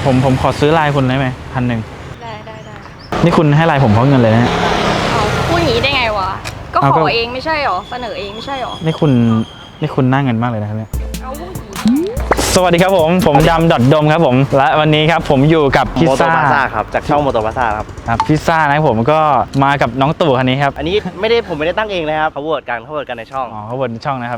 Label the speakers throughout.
Speaker 1: ผมขอซื้อไลน์คุณได้ไหม1,000
Speaker 2: ได้
Speaker 1: นี่คุณให้ไลน์ผมเพราะเงินเลยนะ
Speaker 2: เอาพูดอย่างนี้ได้ไงวะก็ขอเองไม่ใช่หรอเสนอเองไม่ใช่หรอ
Speaker 1: นี่คุณน่าเงินมากเลยนะครับเนี่ย
Speaker 2: เอาพูด
Speaker 1: สวัสดีครับผมดำดมครับผมและวันนี้ครับผมอยู่กับพิซซ่า
Speaker 3: ครับจากช่องโมโตพาซ่าครับ
Speaker 1: พิซซ่านะผมก็มากับน้องตู่คันนี้ครับ
Speaker 3: อันนี้ผมไม่ได้ตั้งเองนะครับเขาโหวตกันในช่อง
Speaker 1: เขาโหวตในช่องนะครับ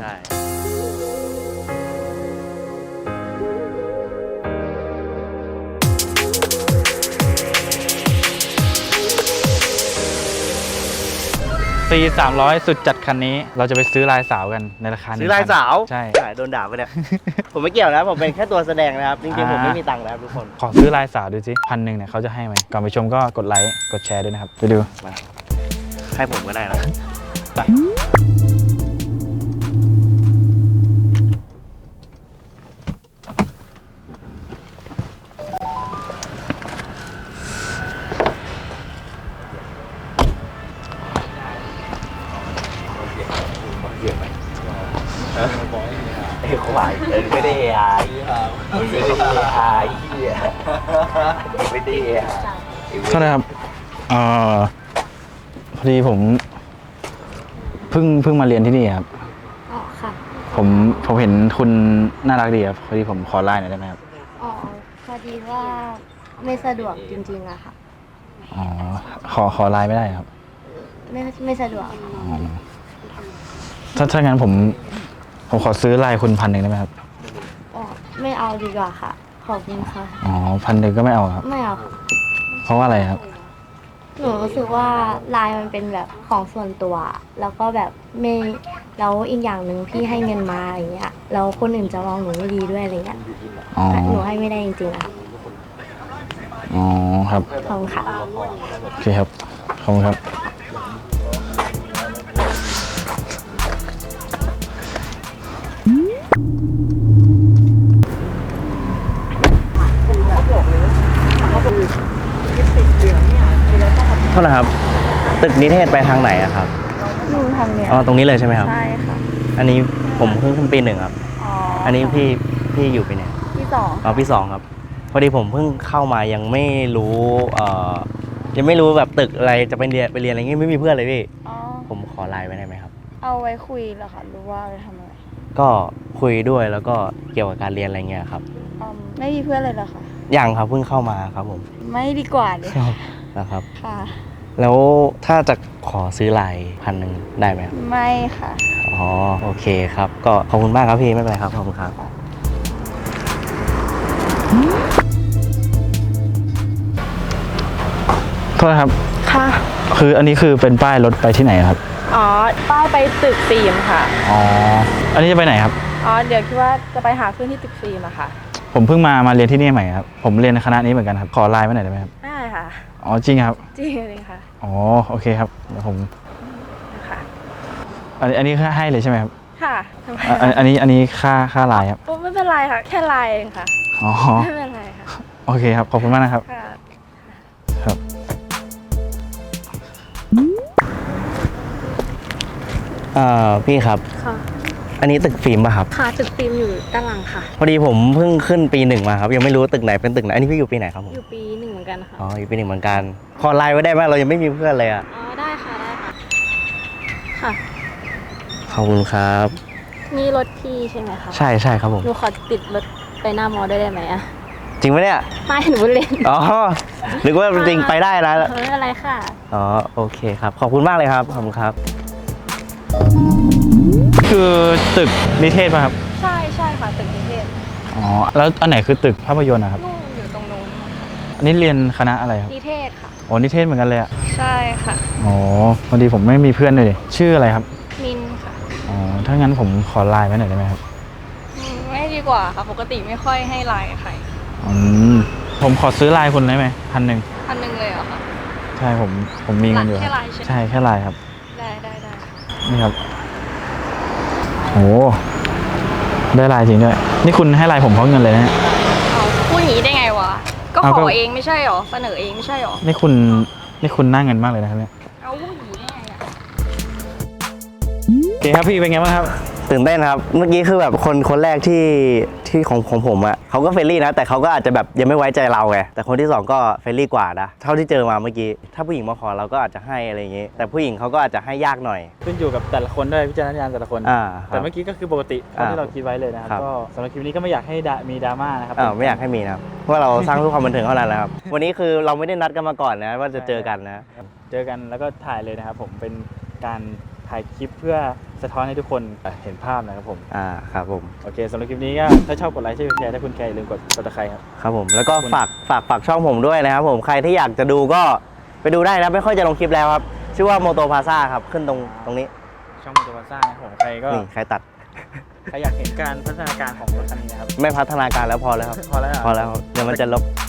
Speaker 1: 300สุดจัดคันนี้เราจะไปซื้อลายสาวกันในราคา
Speaker 3: ซื้อลายสาว
Speaker 1: ใช่
Speaker 3: โดนด่าไปเนี่ย ผมไม่เกี่ยวนะผมเป็นแค่ตัวแสดงนะครับจริงๆผมไม่มีตังค์นะครับทุกคน
Speaker 1: ขอซื้อลายสาวดูสิ1,000เนี่ยเขาจะให้ไหมก่อนไปชมก็กดไลค์กดแชร์ด้วยนะครับไปดู
Speaker 3: ให้ผมก็ได้นะไปควายไม่ได้ไอ้ไม่ได้ไม่ได้
Speaker 1: โทษนะครับพอดีผมเพิ่งมาเรียนที่นี่ครับ
Speaker 2: อ๋อค่ะ
Speaker 1: ผมเห็นคุณน่ารักดีครับพอดีผมขอไลน์หน่อยได้ไหมครับ
Speaker 2: อ๋อพอดีว่าไม่สะดวกจริงๆอะค่ะ
Speaker 1: อ๋อขอไลน์ไม่ได้ครับ
Speaker 2: ไม่สะดวก
Speaker 1: ถ้างั้นผมขอซื้อไลน์คุณ1,000ได้ไหมครับ
Speaker 2: อ๋อไม่เอาดีกว่าค่ะขอบคุณค่ะ
Speaker 1: อ๋อ1,000ก็ไม่เอาครับ
Speaker 2: ไม่เอา
Speaker 1: เพราะว่าอะไรครับ
Speaker 2: หนูรู้สึกว่าไลน์มันเป็นแบบของส่วนตัวแล้วก็แบบไม่แล้วอีกอย่างหนึ่งพี่ให้เงินมาอย่างเงี้ยแล้วคนอื่นจะมองหนูไม่ดีด้วยอะไรเงี้ยหนูให้ไม่ได้จริงๆอะ
Speaker 1: อ๋อครับ
Speaker 2: ขอบคุณค่ะ
Speaker 1: โอเคครับขอบคุณครับ
Speaker 3: เท่าไหร่ครับตึกนิเทศไปทางไหนอะครับ
Speaker 2: นู่นทางเนี้ย
Speaker 3: อ๋อตรงนี้เลยใช่ไหมครับ
Speaker 2: ใช่ค่ะ
Speaker 3: อันนี้ผมเพิ่งขึ้นปี 1ครับอันนี้พี่อยู่ปีไหน
Speaker 2: ปี2
Speaker 3: อ๋อปี 2ครับพอดีผมเพิ่งเข้ามายังไม่รู้ยังไม่รู้แบบตึกอะไรจะไปเรียนอะไรเงี้ยไม่มีเพื่อนเลยพี่ผมขอไลน์ไว้ได้ไหมครับ
Speaker 2: เอาไว้คุยเหรอคะหรือว่าไปทำอะไร
Speaker 3: ก็คุยด้วยแล้วก็เกี่ยวกับการเรียนอะไรเงี้ยครับ
Speaker 2: ไม่มีเพื่อนเลยเหรอคะ
Speaker 3: ยังครับเพิ่งเข้ามาครับผม
Speaker 2: ไม่ดีกว่าเลย
Speaker 3: นะครับ
Speaker 2: ค่ะ
Speaker 3: แล้วถ้าจะขอซื้อไลน์1,000ได้ไหมครับ
Speaker 2: ไม่ค่ะ
Speaker 3: อ๋อโอเคครับก็ขอบคุณมากครับพี่ไม่เป็นไรครับขอบคุณครับ
Speaker 1: โทษนะครับ
Speaker 2: ค่ะ
Speaker 1: คืออันนี้คือเป็นป้ายรถไปที่ไหนครับ
Speaker 2: อ๋อป้ายไปตึกฟิล์มค่ะ
Speaker 1: อ๋ออันนี้จะไปไหนครับ
Speaker 2: อ๋อเดี๋ยวคิดว่าจะไปหาเพื่อนที่ตึกฟิล์มอะค่ะ
Speaker 1: ผมเพิ่งมาเรียนที่นี่ใหม่ครับผมเรียนคณะนี้เหมือนกันครับขอไลน์ไว้หน่อยได้ไหมครับ
Speaker 2: ได้ค่ะ
Speaker 1: อ๋อจริงครับ
Speaker 2: จริงเลยค่ะ
Speaker 1: อ๋อโอเคครับเดี๋ยวผม
Speaker 2: ค่ะ
Speaker 1: อันนี้ให้เลยใช่ไหมครับ
Speaker 2: ค่ะ
Speaker 1: อันนี้ค่าไลน์ครับ
Speaker 2: ไม่เป็นไรค่ะแค่ไลน์เองค่ะ
Speaker 1: อ๋อ
Speaker 2: ไม่เป็นไรค่ะ
Speaker 1: โอเคครับขอบคุณมากนะครับครับ
Speaker 3: พี่ครับ
Speaker 2: ค่ะ
Speaker 3: อันนี้ตึกฟิล์มป่ะครับ
Speaker 2: ค่ะตึกฟิล์มอยู่ด้านหลังค่ะ
Speaker 3: พอดีผมเพิ่งขึ้นปี 1มาครับยังไม่รู้ตึกไหนเป็นตึกไหนอันนี้พี่อยู่ปีไหนครับผม
Speaker 2: อยู่ปี 1เหมือนกันค่ะ
Speaker 3: อ๋ออยู่ปี 1เหมือนกันขอไลน์ไว้ได้ไหมเรายังไม่มีเพื่อนเลยอ่ะ
Speaker 2: อ๋อได้ค่ะค่ะ
Speaker 3: ขอบคุณครับ
Speaker 2: นี่รถพี่ใช่ไหมคะ
Speaker 3: ใช่ครับผม
Speaker 2: หนูขอติดรถไปหน้ามอได้ไหมอะ
Speaker 3: จริงไหมเนี่ย
Speaker 2: ไม่หนูเล่น
Speaker 3: อ๋อนึกว่าจริงไปได้นะ
Speaker 2: ไม่เป็นไรค่ะ
Speaker 3: อ๋อโอเคครับขอบคุณมากเลยครับขอบคุณครับ
Speaker 1: คือตึกนิเทศป่ะครับ
Speaker 2: ใช่ค่ะตึกนิเทศ
Speaker 1: อ๋อแล้วอันไหนคือตึกภาพยนตร์นะครับ
Speaker 2: นู่นอยู่ตรงนู้น
Speaker 1: อันนี้เรียนคณะอะไรครับ
Speaker 2: นิเทศค่ะ
Speaker 1: อ๋อนิเทศเหมือนกันเลยอ่ะ
Speaker 2: ใช่ค่ะ
Speaker 1: อ๋อพอดีผมไม่มีเพื่อนเลยชื่ออะไรครับ
Speaker 2: มินค่ะ
Speaker 1: อ๋อถ้างั้นผมขอไลน์ไว้หน่อยได้ไหมครับ
Speaker 2: ไม่ดีกว่าค่ะปกติไม่ค่อยให้ไลน์ใคร
Speaker 1: ผมขอซื้อไลน์คุณได้ไหม1,000
Speaker 2: เลยเหรอคะ
Speaker 1: ใช่ผมมีเงินอยู่
Speaker 2: แค่ไลน์
Speaker 1: ใช่แค่ไลน์ครับ
Speaker 2: ได้
Speaker 1: นี่ครับโอ้ได้ไลน์จริงด้วยนี่คุณให้ไลน์ผมเพราะเงินเลยนะ
Speaker 2: พูดอย่างนี้ได้ไงวะก็ขอเองไม่ใช่หรอเสนอเองไม่ใช่หรอ
Speaker 1: นี่คุณน่าเงินมากเลยนะครับเนี่ย
Speaker 2: เอาพูดอย่างนี้ได้ไงอะ
Speaker 1: โอเคครับพี่เป็นไงบ้างครับ
Speaker 3: ตื่นเต้นครับเมื่อกี้คือแบบคนแรกที่ของผมอ่ะเขาก็เฟรนลี่นะแต่เขาก็อาจจะแบบยังไม่ไว้ใจเราไงแต่คนที่สองก็เฟรนลี่กว่านะเท่าที่เจอมาเมื่อกี้ถ้าผู้หญิงมาขอเราก็อาจจะให้อะไรอย่างงี้ แต่ผู้หญิงเขาก็อาจจะให้ยากหน่อย
Speaker 1: ขึ้นอยู่กับแต่ละคนด้วยวิจารณญาณแต่ละคน
Speaker 3: ครับ
Speaker 1: แต่เมื่อกี้ก็คือปกติเท่าที่เราคิดไว้เลยนะครับ
Speaker 3: ครับ
Speaker 1: ก็สำหรับคลิปนี้ก็ไม่อยากให้มีดราม่านะครับ
Speaker 3: ไม่อยากให้มีนะครับเพราะว่าเราสร้างเพื่อความบันเทิงเท่านั้นแหละครับ วันนี้คือเราไม่ได้นัดกันมาก่อนนะว่าจะเจอกันนะ
Speaker 1: เจอกันแล้วก็ถ่ายเลยนะครับผมเป็นการถ่ายคลิปเพื่อสะท้อนให้ทุกคนเห็นภาพนะครับผม
Speaker 3: ครับผม
Speaker 1: โอเคสำหรับคลิปนี้ก็ถ้าชอบกดไลค์ช่วยแชร์ถ้าคุณแคร์อย่าลืมกดติดตามครับ
Speaker 3: ครับผมแล้วก็ฝากช่องผมด้วยนะครับผมใครที่อยากจะดูก็ไปดูได้นะไม่ค่อยจะลงคลิปแล้วครับชื่อว่าโมโตพาซ่าครับขึ้นตรงนี้
Speaker 1: ช่องมอเตอร์วาซ่านะครับผมใครก็
Speaker 3: นี่ใครตัด
Speaker 1: ใครอยากเห็นการพัฒนาการของรถคันนี้นะครับ
Speaker 3: ไม่พัฒนาการแล้วพอแล้วครับ
Speaker 1: พอแล้วเหรอ
Speaker 3: พอแล้วครับเดี๋ยวมันจะลบ